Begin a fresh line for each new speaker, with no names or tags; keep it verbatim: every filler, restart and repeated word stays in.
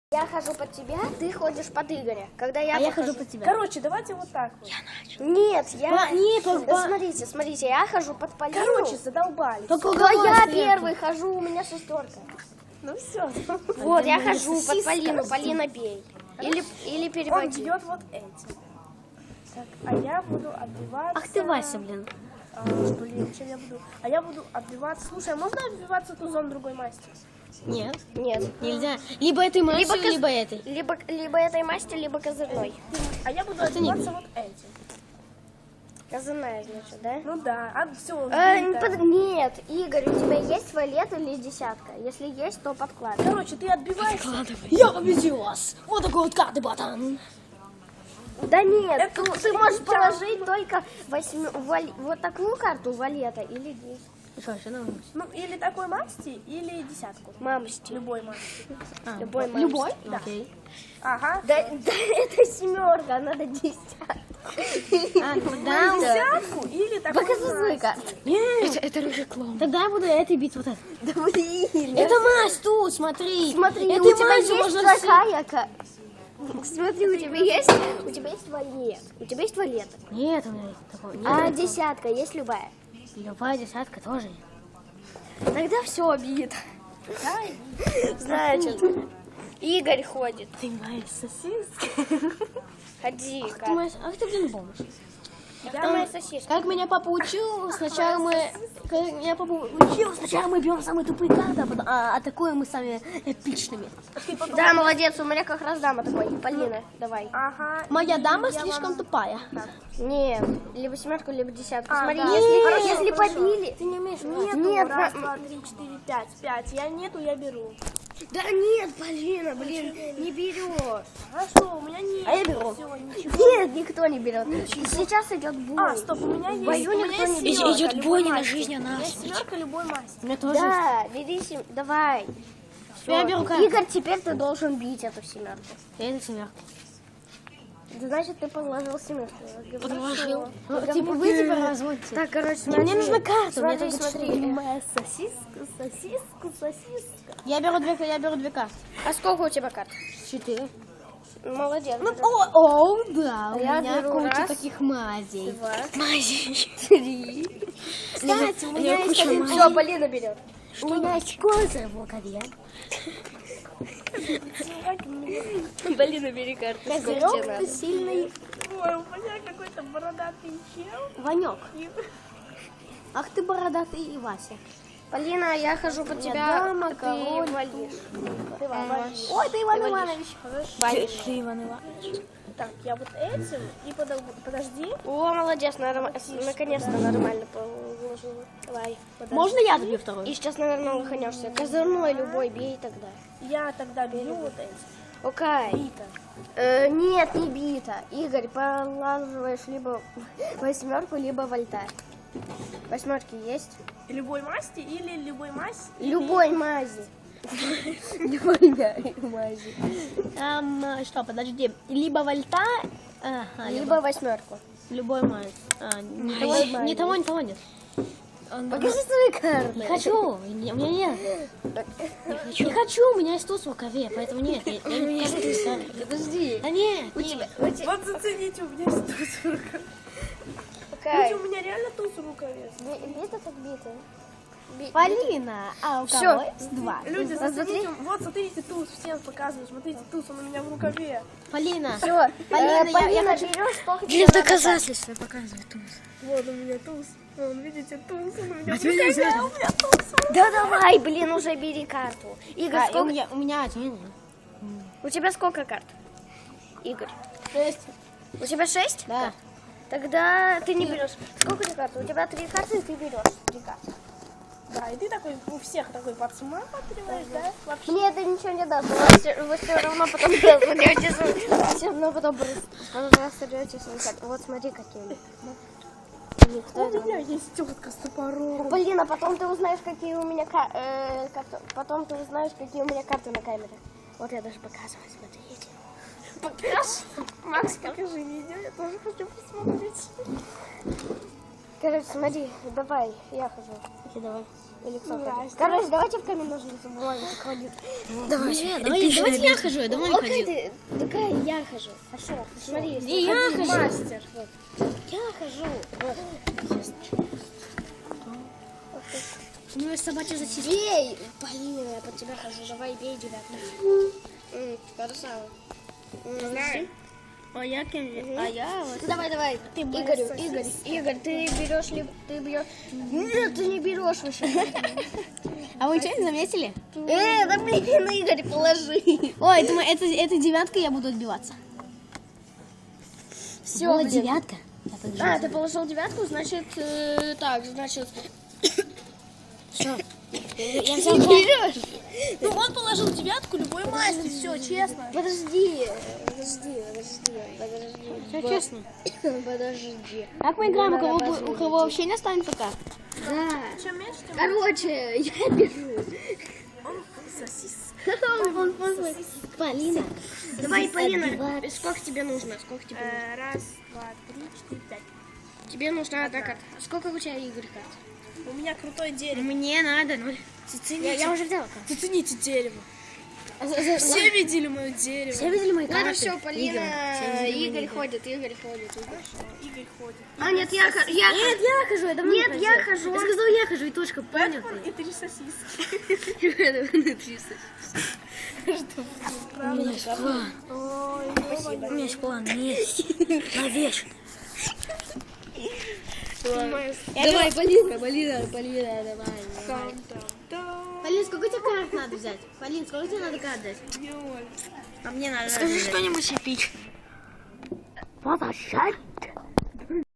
Я хожу под тебя, ты ходишь под Игоря. Когда я,
а я хожу под тебя.
Короче, давайте вот так вот.
Я начал. Нет, я...
По, не, по,
Да,
по...
смотрите, смотрите, я хожу под Полину.
Короче, задолбали.
Только
Да я
сверху.
первый хожу, у меня шестерка.
Ну все.
Вот, я хожу под Полину, Полина бей. Или, или
Он
переводи.
бьет вот этим. Так, а я буду отбиваться.
Ах ты, Вася, блин.
А, блин, чем я буду? А я буду отбиваться. Слушай, а можно отбиваться тузом другой масти?
Нет,
Нет.
нельзя. Либо этой масью,
Либо
либо,
коз-
этой.
Либо, либо этой масти, либо козырной.
А я буду
ты не
отбиваться вот этим.
Козырная, значит, да?
Ну да, а все.
Э, не под- Нет, Игорь, у тебя есть валет или десятка? Если есть, то подкладывай.
Короче, ты отбиваешься.
Я победил вас. Вот такой вот карты ботан.
Да нет,
Это
ты, ты можешь положить только восьми- вали- вот такую карту валета или десять.
Что, еще надо?
Ну, или такой масти, или десятку.
Мамочки.
Любой масти.
А,
Любой мамочки.
Любой?
Да.
Окей.
Ага.
Да, да это семерка, надо десятку.
А, тогда...
Десятку или такой
Показывай
масти.
карту.
Нет,
Это реклама.
тогда я буду этой бить вот это.
Да блин.
Это мазь тут, смотри.
Смотри,
Этой
у тебя
мазью
есть
можно
такая ка- Смотри, у тебя есть, у тебя есть валет, у тебя есть валет.
все- Нет, у меня есть такого. Нет,
А
такого.
десятка есть любая?
Любая десятка тоже.
Тогда все обид. Значит, Игорь ходит.
Ты моя сосиска.
Ходи,
Ах ты,
как.
моя... Ах ты, блин, помнишь.
Кто моя сосиска?
Как меня папа учил, сначала мы... Как меня папа учил, сначала мы бьем самые тупые карты, а потом а, атакуем мы самыми эпичными.
Да, молодец, у меня как раз дама такой. Полина, давай.
Ага.
Моя дама
Я
слишком
вам-
тупая.
Нет, либо семерку, либо десятку.
А,
Смотри,
да.
если,
Хорошо,
если
хорошо.
побили...
Ты не умеешь
Нету.
Нет,
Раз,
на-
два, три, четыре, пять. Пять. Я нету, я беру.
Да нет, Полина, блин, не берешь.
Хорошо, у меня нет.
А я беру.
Всё, ничего.
Нет, никто не берет. Сейчас идет бой.
А, стоп, у меня есть.
бою
у меня
никто
есть
не
семерка
идет
любой
бой не на
масти.
жизнь, а на
У меня есть
смерть.
семерка любой масти.
У меня тоже.
Да, бери сем... Давай.
Я
Всё.
беру карту.
Игорь, теперь ты должен бить эту семерку.
Я на семерку.
Да, значит, ты подложил семерку.
Подложил. Ну,
Говно.
типа вы теперь разводите.
Так, короче,
Не,
смотри.
мне нужна карта. у меня
Смотри,
только
смотри.
четыре.
Моя сосиска, сосиска, сосиска.
Я беру две, я беру две карты.
А сколько у тебя карт?
Четыре.
Молодец.
Ну, о, о, да, у
Я
меня
беру
куча
раз,
таких мазей.
Два,
Мазей.
три.
Кстати, у меня
Я
есть
куча
один...
Все, Полина берет.
У меня есть козырь в рукаве.
Полина, бери карту. Сколько тебе
Козырек
надо?
ты сильный
Ой, у меня какой-то бородатый чел.
Ванек.
И-
Ах ты бородатый и Вася.
Полина, я хожу под
меня
тебя,
дама,
а ты
король,
валишь.
Ты валишь.
Ой, ты Иван
Ты
Иванович.
Валишь.
Ты Иван Иванович.
Так, я вот этим и подо- подожди.
О, молодец, норм- наконец-то нормально положила. Давай.
подожди.
Можно я добью второй?
И сейчас, наверное, лоханешься. Козырной любой бей тогда.
Я тогда бью вот этим.
Окей.
Бита.
Э, нет, не бита. Игорь, положиваешь либо восьмерку, либо вольтарь. Восьмерки есть?
Любой масти или любой масти?
Любой мази. Любой мази.
Эм, что, подожди. Либо вольта, ага, либо,
Либо восьмерку.
любой мазь. А, ни, того,
Любой
ни
мазь.
того, ни того нет.
Покажи свои карты.
Не хочу, не- у меня нет. Не хочу, у меня есть туз в рукаве, поэтому нет. Я, я не покажу.
Подожди.
Да нет,
У
нет.
тебя, у тебя...
Вот зацените, у меня есть туз в рукаве.
Окей.
Люди, у меня реально туз в рукаве.
Би- Бита так бита. Би-
Полина, а у
Всё.
кого есть два?
Люди,
Посмотри.
зацените, вот смотрите туз, всем показываю, смотрите туз, он у меня в рукаве.
Полина.
Все,
Полина, я-
Полина,
я хочу-
берешь, сколько
Для
тебе надо
доказательства показывай туз.
Вот у меня туз. Вон, видите, туз, он у меня в рукаве, а у меня туз.
карт? Да давай, блин, уже бери карту. Игорь,
А, и
сколько...
у меня, у меня один.
У тебя сколько карт? Игорь.
Шесть.
У тебя шесть?
Да.
Тогда ты не берешь. Сколько у тебя карт? У тебя три карты, и ты берешь три карты.
Да, и ты такой, у всех такой подсматриваешь, да? Вообще.
Мне это ничего не даст. Вы все, вы все равно потом разберетесь. Все равно потом разберетесь. Вот смотри, какие у них. Никто
У
это
меня есть тетка с топором.
Блин, а потом ты узнаешь, какие у меня ка- э, карты. Потом ты узнаешь, какие у меня карты на камере. Вот я даже показываю, смотрите. Покажешь? Макс,
Покажи видео, я тоже хочу посмотреть.
Короче, смотри, давай, я хожу.
Окей, давай.
Или кто ходит? Короче, давайте в камень ножницы бумагу ходить.
Давай, давай, давайте я хожу, я давно не
Окей,
ходил.
ты, такая я хожу. Хорошо, смотри.
Не, я
ходи,
хожу.
Мастер. Вот. Я хожу. Вот.
У него есть собачья зачистка.
Бей! Блин, я под тебя хожу. Давай, бей девятку. М, Хорошо. М, Знаю.
А я кем? А я вот.
Давай, давай. Ты Игорю, Игорь, Игорь, ты берешь ли, ты бьешь? Нет, ты не берешь вообще.
А вы ничего не заметили?
Э, да блин, Игорь, положи.
Ой, это, мо- это, это девятка, я буду отбиваться.
Все,
Вот девятка. Я подожду.
А, ты положил девятку, значит, э, так, значит.
Что?
Я взял берешь.
Ну, он положил девятку, любой мастер, все, честно.
Подожди, подожди, подожди, подожди.
Все честно.
Подожди.
Как мы играем, у кого, бу- у кого вообще не останется карт?
Да.
Чем меньше, тем
Короче, я беру.
он сосис.
Он, он, он,
Полина.
Давай, Полина,
отбиваться.
сколько тебе нужно? Сколько тебе нужно?
Э, Раз, два, три, четыре, пять.
Тебе нужна одна карта. Сколько у тебя, Игорь, карт?
У меня крутое дерево.
Мне надо ноль.
Я, я уже взяла карту.
Зацените дерево.
А за- за-
Все видели мое дерево.
Все видели мои карты?
Ладно, все, Полина,
Игорь, все видели мои
Игорь
карты.
ходит, Игорь ходит. Игорь.
Игорь ходит.
А, нет, я, хожу, я
Нет, я хожу, я давно
Нет,
не
я
ходил.
хожу.
Я сказал, я хожу, и точка, понял
Бэтмен
ты?
и три сосиски.
У меня есть план.
Ой,
У меня есть план, есть. Навеш.
Давай, Полинка, Полина, Полина, давай.
там-там-там.
Полин, сколько тебе карт надо взять? Полин, сколько тебе надо карт дать?
Ноль.
А мне надо.
Скажи что-нибудь эпичное.
Подожди.